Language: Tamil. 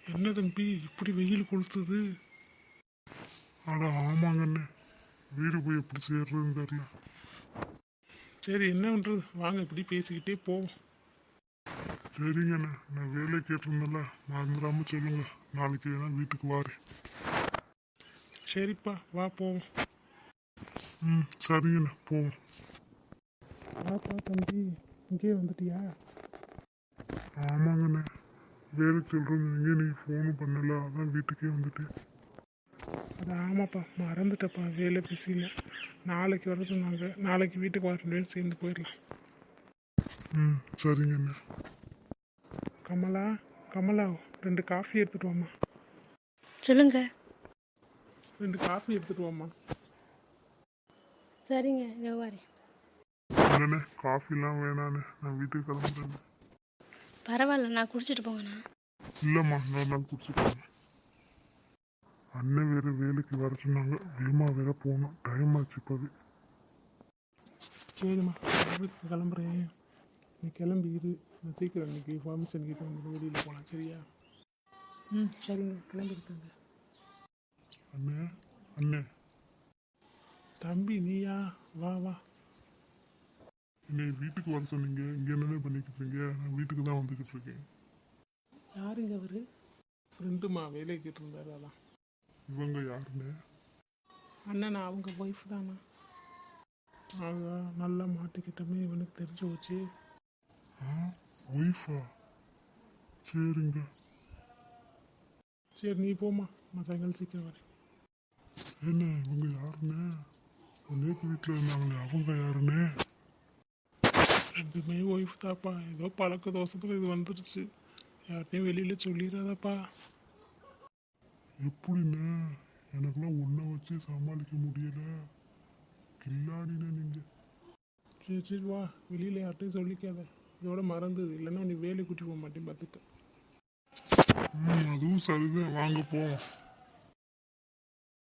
என்ன தம்பி இப்படி வெயில் கொளுத்துது? அட ஆமாங்கண்ணே, வீடு போய் எப்படி சேர்றதுன்னு தெரில. சரி என்ன பண்ணுறது, வாங்க இப்படி பேசிக்கிட்டே போவோம். சரிங்கண்ணே, நான் வேலை கேட்டிருந்தேன்ல, மறந்துடாம சொல்லுங்க. நாளைக்கு வேணா வீட்டுக்கு வாரேன். சரிப்பா வா போவோம். சரிங்கண்ணே, போவோம். வாப்பா தம்பி, இங்கே வந்துட்டியா? ஆமாங்கண்ணே, வேலை சொல்கிறேன் எங்கே நீ ஃபோனும் பண்ணல, அதான் வீட்டுக்கே வந்துட்டேன். அது ஆமாப்பா, மறந்துட்டப்பா வேலை பிஸியில். நாளைக்கு வர சொன்னாங்க, நாளைக்கு வீட்டுக்கு வர 2 பேரும் சேர்ந்து போயிடலாம். சரிங்கண்ணே. கமலா கமலா 2 காஃபி எடுத்துகிட்டு வாம்மா. சொல்லுங்க. 2 காஃபி எடுத்துகிட்டு வாம்மா. சரிங்க, இதோ வரேன். இல்லைண்ணே, காஃபிலாம் வேணாண்ணே, நான் வீட்டுக்கு கிளம்புறேன். பரவாயில்ல, நான் குடிச்சிட்டு போங்கண்ணா. இல்லைம்மா, இன்னொரு நாள் குடிச்சுக்கோங்க. அண்ணன் வேறு வேலைக்கு வர சொன்னாங்க, வேமா வேற போகணும், டைம் ஆச்சு இப்போவே. சரிம்மா, வீட்டுக்கு கிளம்புறேன். நீ கிளம்பி இரு, நான் சீக்கிரம் இன்னைக்கு ஃபங்க்ஷன் கிட்ட வந்து வெளியில் போகலாம். சரியா? சரிங்க, கிளம்பிருக்காங்க. அண்ணே அண்ணே. தம்பி நீயா? வா வா. என்னை வீட்டுக்கு வர சொன்னீங்க, இங்கே என்னென்ன பண்ணிக்கிட்டு இருக்கீங்க? நான் வீட்டுக்கு தான் வந்துக்கிட்டு இருக்கேன். யாருங்க அவரு? ஃப்ரெண்டுமா, வேலை கேட்டிருந்தாரு. அதான். இவங்க யாருன்னு? அண்ணனா, அவங்க ஒய்ஃப் தானா? அதான் நல்லா மாற்றிக்கிட்டமே, இவனுக்கு தெரிஞ்சு போச்சு. ஒய்ஃபா? சரிங்க. சரி நீ போம்மா, நான் சாயங்காலம் சீக்கிரம் வரேன். என்ன இவங்க யாருன்னு? நேற்று வீட்டில் இருந்தாங்களே, அவங்க யாருன்னு? ரெண்டுமே ஒய்ஃப் தாப்பா, ஏதோ பழக்க தோசத்தில் இது வந்துடுச்சு. யார்ட்டையும் வெளியில் சொல்லிடாதப்பா. எப்படிண்ணே? எனக்கெல்லாம் ஒன்றை வச்சு சமாளிக்க முடியல. கில்லாடிண்ணே நீங்கள். சரி சரி வா, வெளியில் யார்ட்டையும் சொல்லிக்காத. இதோட மறந்தது, இல்லைன்னா நீ வேலை கூட்டி போக மாட்டேன் பார்த்துக்க. அதுவும் சரிதான், வாங்க போவோம்.